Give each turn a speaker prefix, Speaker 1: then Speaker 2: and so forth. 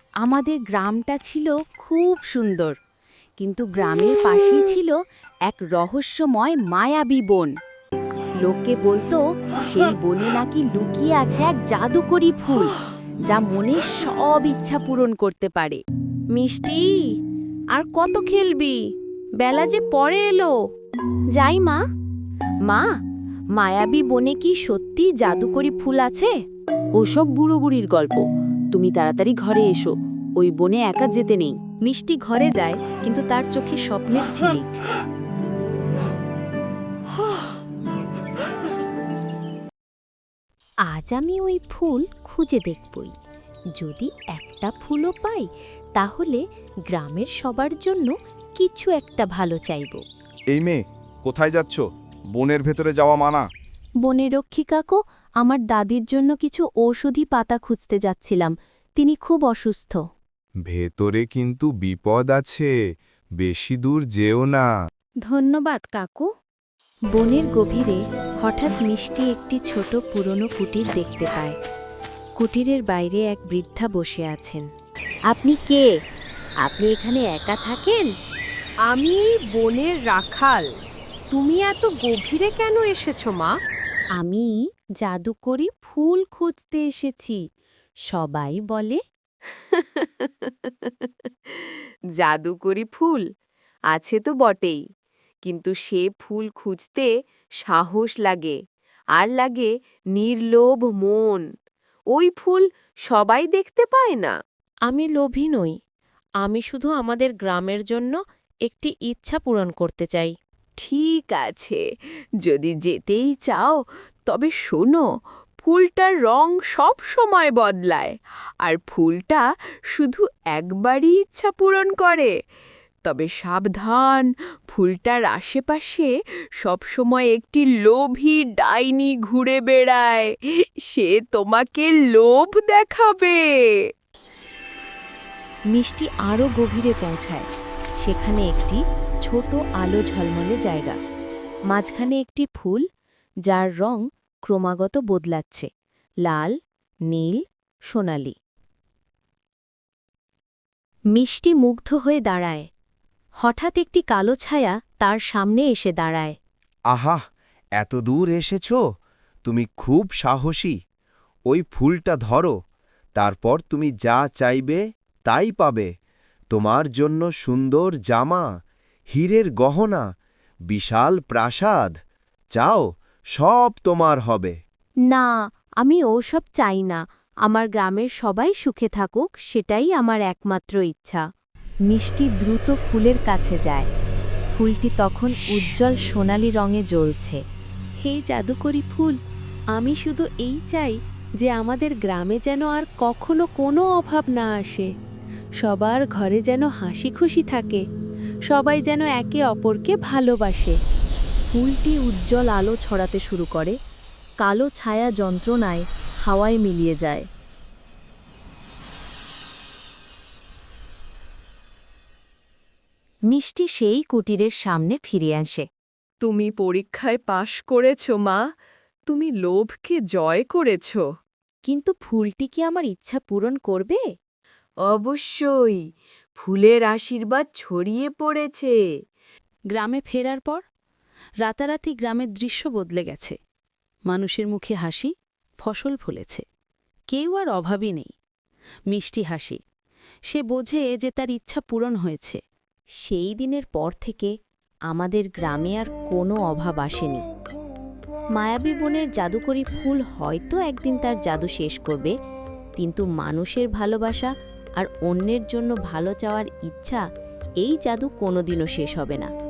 Speaker 1: আমাদের গ্রামটা ছিল খুব সুন্দর, কিন্তু গ্রামের পাশেই ছিল এক রহস্যময় মায়াবী বন। লোকে বলতো সেই বনে নাকি লুকিয়ে আছে এক জাদুকরী ফুল, যা মনের সব ইচ্ছা পূরণ করতে পারে। মিষ্টি, আর কত খেলবি? বেলা যে পড়ে এলো। যাই মা। মা, মায়াবী বনে কি সত্যি জাদুকরী ফুল আছে? ওসব বুড়ো বুড়ির গল্প। তুমি তাড়াতাড়ি ঘরে এসো, ওই বনে একা যেতে নেই। মিষ্টি ঘরে যায়, কিন্তু তার চোখে স্বপ্নের ঝিলিক। আজ আমি ওই ফুল খুঁজে দেখবই। যদি একটা ফুলও পাই, তাহলে গ্রামের সবার জন্য কিছু একটা ভালো চাইব।
Speaker 2: এই মেয়ে, কোথায় যাচ্ছ? বনের ভেতরে যাওয়া মানা।
Speaker 1: বনের রক্ষিকাকো, আমার দাদির জন্য কিছু ঔষধি পাতা খুঁজতে যাচ্ছিলাম। তিনি খুব অসুস্থ।
Speaker 2: ভেতরে কিন্তু বিপদ আছে, বেশি দূর যেও না।
Speaker 1: ধন্যবাদ কাকু। বনের গভীরে হঠাৎ মিষ্টি একটি ছোট পুরনো কুটির দেখতে পায়। কুটিরের বাইরে এক বৃদ্ধা বসে আছেন। আপনি কে? আপনি এখানে একা থাকেন?
Speaker 3: আমি বনের রাখাল। তুমি এত গভীরে কেন এসেছো মা?
Speaker 1: আমি জাদুকরি ফুল খুঁজতে এসেছি। সবাই বলে।
Speaker 3: জাদুকরি ফুল আছে তো বটেই, কিন্তু সে ফুল খুঁজতে সাহস লাগে, আর লাগে নির্লোভ মন। ওই ফুল সবাই দেখতে পায় না।
Speaker 1: আমি লোভী নই, আমি শুধু আমাদের গ্রামের জন্য একটি ইচ্ছা পূরণ করতে চাই।
Speaker 3: ঠিক আছে, যদি যেতেই চাও, তবে শোনো, ফুলটার রং সব সময় বদলায়, আর ফুলটা শুধু একবারই ইচ্ছা পূরণ করে। তবে সাবধান, ফুলটার আশেপাশে সবসময় একটি লোভী ডাইনি ঘুরে বেড়ায়। সে তোমাকে লোভ দেখাবে।
Speaker 1: মিষ্টি আরও গভীরে পৌঁছায়। সেখানে একটি ছোট আলো ঝলমলে জায়গা, মাঝখানে একটি ফুল, যার রং ক্রমাগত বদলাচ্ছে, লাল, নীল, সোনালি। মিষ্টি মুগ্ধ হয়ে দাঁড়ায়। হঠাৎ একটি কালো ছায়া তার সামনে এসে দাঁড়ায়।
Speaker 4: আহা, এত দূর এসেছ, তুমি খুব সাহসী। ওই ফুলটা ধরো, তারপর তুমি যা চাইবে তাই পাবে। তোমার জন্য সুন্দর জামা, হীরের গহনা, বিশাল প্রাসাদ, চাও সব তোমার হবে।
Speaker 1: না, আমি ওসব চাই না। আমার গ্রামের সবাই সুখে থাকুক, সেটাই আমার একমাত্র ইচ্ছা। মিষ্টি দ্রুত ফুলের কাছে যায়। ফুলটি তখন উজ্জ্বল সোনালি রঙে জ্বলছে। হে জাদুকরি ফুল, আমি শুধু এই চাই যে আমাদের গ্রামে যেন আর কখনো কোনো অভাব না আসে। সবার ঘরে যেন হাসি খুশি থাকে, সবাই যেন একে অপরকে ভালোবাসে। ফুলটি উজ্জ্বল আলো ছড়াতে শুরু করে। কালো ছায়া যন্ত্রণায় হাওয়ায় মিলিয়ে যায়। মিষ্টি সেই কুটিরের সামনে ফিরে আসে।
Speaker 3: তুমি পরীক্ষায় পাশ করেছ মা, তুমি লোভকে জয় করেছ।
Speaker 1: কিন্তু ফুলটি কি আমার ইচ্ছা পূরণ করবে?
Speaker 3: অবশ্যই, ফুলের আশীর্বাদ ছড়িয়ে পড়েছে।
Speaker 1: গ্রামে ফেরার পর রাতারাতি গ্রামের দৃশ্য বদলে গেছে। মানুষের মুখে হাসি, ফসল ফলেছে, কেউ আর অভাবই নেই। মিষ্টি হাসি, সে বোঝে যে তার ইচ্ছা পূরণ হয়েছে। সেই দিনের পর থেকে আমাদের গ্রামে আর কোনো অভাব আসেনি। মায়াবী বনের জাদুকরী ফুল হয়তো একদিন তার জাদু শেষ করবে, কিন্তু মানুষের ভালোবাসা আর অন্যের জন্য ভালো চাওয়ার ইচ্ছা, এই জাদু কোনোদিনও শেষ হবে না।